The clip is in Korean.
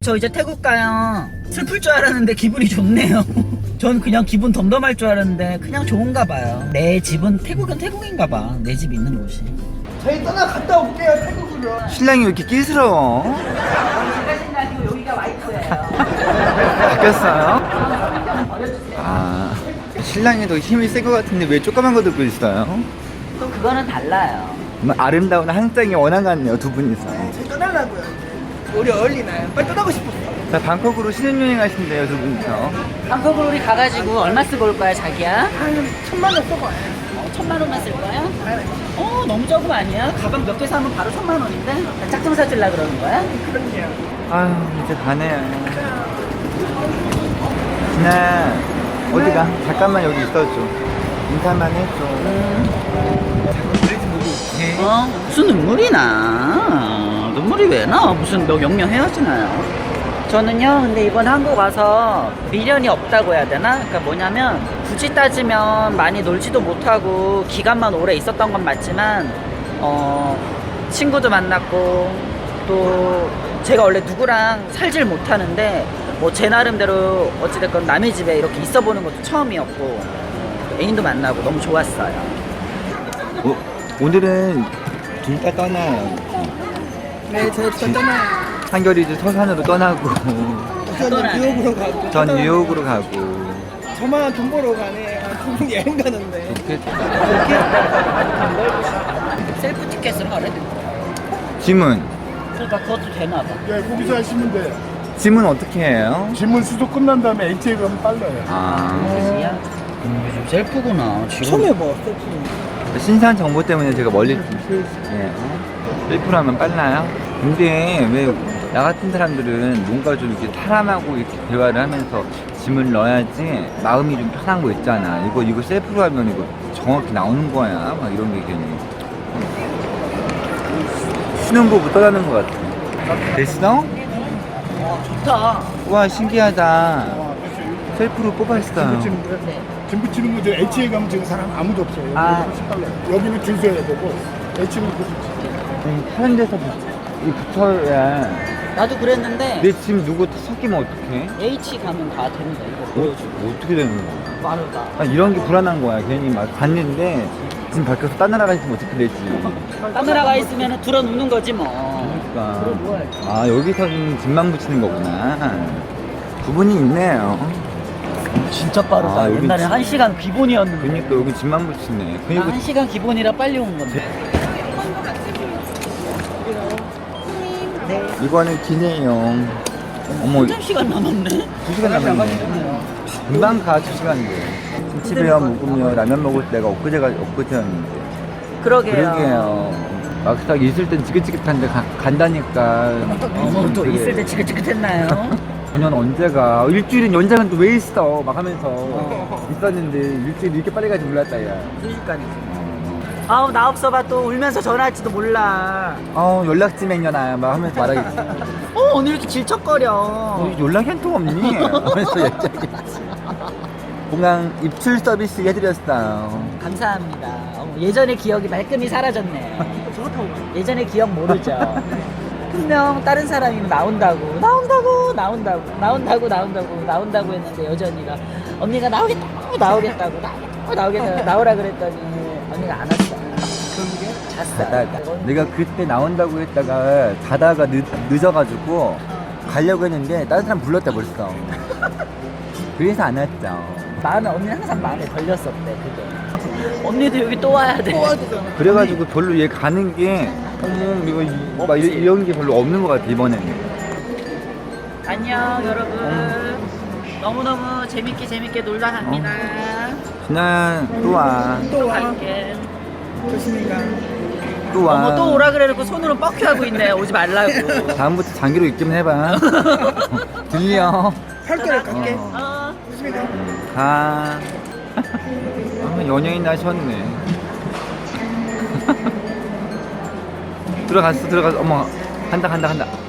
저 이제 태국 가요. 슬플 줄 알았는데 기분이 좋네요. 전 그냥 기분 덤덤할 줄 알았는데 그냥 좋은가 봐요. 내 집은 태국은 태국인가 봐. 내 집 있는 곳이. 저희 떠나갔다 올게요, 태국으로. 신랑이 왜 이렇게 끼스러워? 제가 신나고 여기가 와이프예요. 바뀌었어요? 아, 신랑이 더 힘이 센 것 같은데 왜 조그만 거 들고 있어요? 또 그거는 달라요. 정말 아름다운 한 쌍의 원한 같네요, 두 분이서. 저희 떠나려고요, 이제. 우리 어울리나요? 빨리 떠나고 싶었어. 자, 방콕으로 신혼여행 하신대요, 두 분이서. 방콕으로 우리 가가지고 얼마 쓰고 올 거야, 자기야? 한 1,000만 원 써봐요. 1,000만 원만 쓸 거야? 너무 조금 아니야? 가방 몇 개 사면 바로 1,000만 원인데? 짝퉁 사주려 그러는 거야? 그럼요. 아유, 이제 가네요. 진아, 어디가? 잠깐만 여기 있어줘. 인사만 해줘. 무슨 눈물이 나? 눈물이 왜 나? 무슨 영영 헤어지나요? 저는요, 근데 이번 한국 와서 미련이 없다고 해야 되나? 그러니까 뭐냐면, 굳이 따지면 많이 놀지도 못하고, 기간만 오래 있었던 건 맞지만, 친구도 만났고, 또, 제가 원래 누구랑 살질 못하는데, 뭐 제 나름대로 어찌됐건 남의 집에 이렇게 있어 보는 것도 처음이었고, 또 애인도 만나고 너무 좋았어요. 오늘은 둘 다 떠나요. 네, 저희 떠나요. 한결이 이제 서산으로 떠나고, 저는 뉴욕으로 가고. 전 뉴욕으로 가고. 저만 돈 벌어 가네. 두 분 여행 가는데. 셀프 티켓을 하래? 짐은? 그러니까 그것도 되나 봐. 예, 거기서 하시면 돼요. 짐은 어떻게 해요? 질문 수속 끝난 다음에 HA 가면 빨라요. 아, 그지야? 요즘 셀프구나. 지금. 처음 해봐, 셀프. 신선 정보 때문에 제가 멀리, 예. 1%하면 빨라요? 근데 왜 나 같은 사람들은 뭔가 좀 이렇게 사람하고 이렇게 대화를 하면서 짐을 넣어야지 마음이 좀 편한 거 있잖아. 이거 셀프로 하면 이거 정확히 나오는 거야. 막 이런 게 괜히. 신혼부부 떠나는 것 같아. 됐어? 좋다. 와, 신기하다. 셀프로 뽑았어요. 짐 붙이는 거 이제 HA 가면 지금 사람 아무도 없어요. 여기 아. 훨씬 빨라요. 여기는 줄 서야 되고 HA는 그 다른 데서 붙어야. 나도 그랬는데 내 짐 누구 섞이면 어떡해? H 가면 다 됩니다. 이거 보여주고. 어떻게 되는 거야? 빠르다. 아, 이런 게 불안한 거야. 괜히 막 갔는데 지금 밖에서 딴 나라 가 있으면 어떻게 되지? 카메라가 있으면 들어 눕는 거지 뭐. 그러니까 아, 여기서 짐만 붙이는 거구나. 구분이 있네요. 진짜 빠르다. 아, 여기 옛날에 진- 1시간 기본이었는데. 그러니까 여기 짐만 붙이네. 나 그리고 1시간 기본이라 빨리 온 건데. 이거는 기내용. 어머, 3시간 남았네. 2시간 남았네. 금방 가, 2시간인데. 김치배와 묵으며 라면 먹을 때가 엊그제였는데. 그러게요. 그러게요. 막상 있을 땐 지긋지긋한데 간다니까. 또 되게 있을 때 지긋지긋했나요? 작년 언제가 일주일은 연장은 또 왜 있어 막 하면서 있었는데 일주일 이렇게 빨리 가지 몰랐다 야. 순식간이지. 아우 나 없어봐 또 울면서 전화할지도 몰라. 연락지 맹년아 막 하면서 말하겠지. 오늘 이렇게 질척거려. 연락이 한 통 없니? 하면서 얘기하겠지. 공항 입출 서비스 해드렸어요. 감사합니다. 예전의 기억이 말끔히 사라졌네. 예전의 기억 모르죠. 분명 다른 사람이 나온다고 했는데 여전히가 언니가 나오겠다고 나오라 그랬더니 언니가 안 왔어. 잤어. 내가 그때 나온다고 했다가 자다가 늦어가지고 가려고 했는데 다른 사람 불렀다 벌써. 그래서 안 왔죠. 나는 언니 항상 마음에 걸렸었대 그게. 언니도 여기 또 와야 돼. 그래가지고 별로 얘 가는 게 이거 막 이런 게 별로 없는 것 같아 이번에는. 안녕 여러분. 너무너무 재밌게 놀다 갑니다. 진아 또 와. 또 갈게. 조심히 가. 또 와. 어머 또 오라 그래놓고 손으로 뻑큐하고 있네. 오지 말라고. 다음부터 장기로 입기만 해봐. 들려. 살결을 갈게. 조심히 가. 가. 연예인 하셨네. 들어갔어. 어머 간다.